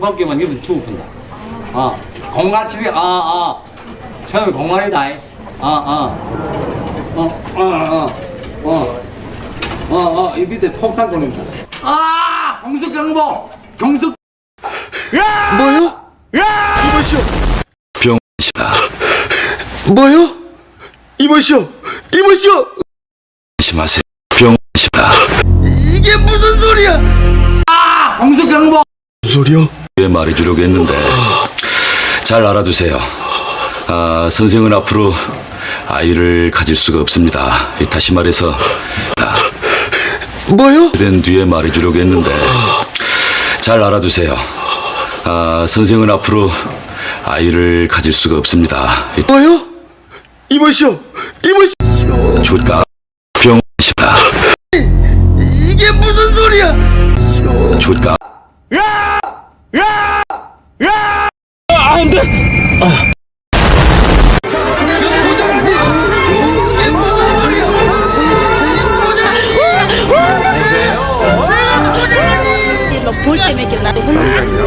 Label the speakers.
Speaker 1: 밖에만 입으면 죽었다. 공갈치기, 처음에 공갈이다. 이 밑에 폭탄 걸린다. 경숙 경보! 경숙!
Speaker 2: 뭐요? 이보시오.
Speaker 3: 병시다.
Speaker 2: 뭐요? 이보시오. 이보시오.
Speaker 3: 심하세요. 병시다.
Speaker 2: 이게 무슨 소리야?
Speaker 1: 경숙 경보!
Speaker 2: 무슨 소리야?
Speaker 3: 왜 말해주려고 했는데 잘 알아두세요. 선생은 앞으로 아이를 가질 수가 없습니다. 다시 말해서
Speaker 2: 뭐요?
Speaker 3: 된 뒤에 말해주려고 했는데 잘 알아두세요. 선생은 앞으로 아이를 가질 수가 없습니다.
Speaker 2: 뭐요? 이보시오. 이보시오.
Speaker 3: 좋다. 병시다.
Speaker 2: 이게 무슨 소리야?
Speaker 3: 좋다.
Speaker 2: 모자라지? 이게 무슨 소리야? 모자라지? 내가 모자라지?
Speaker 4: 볼 때문에 이렇게 나를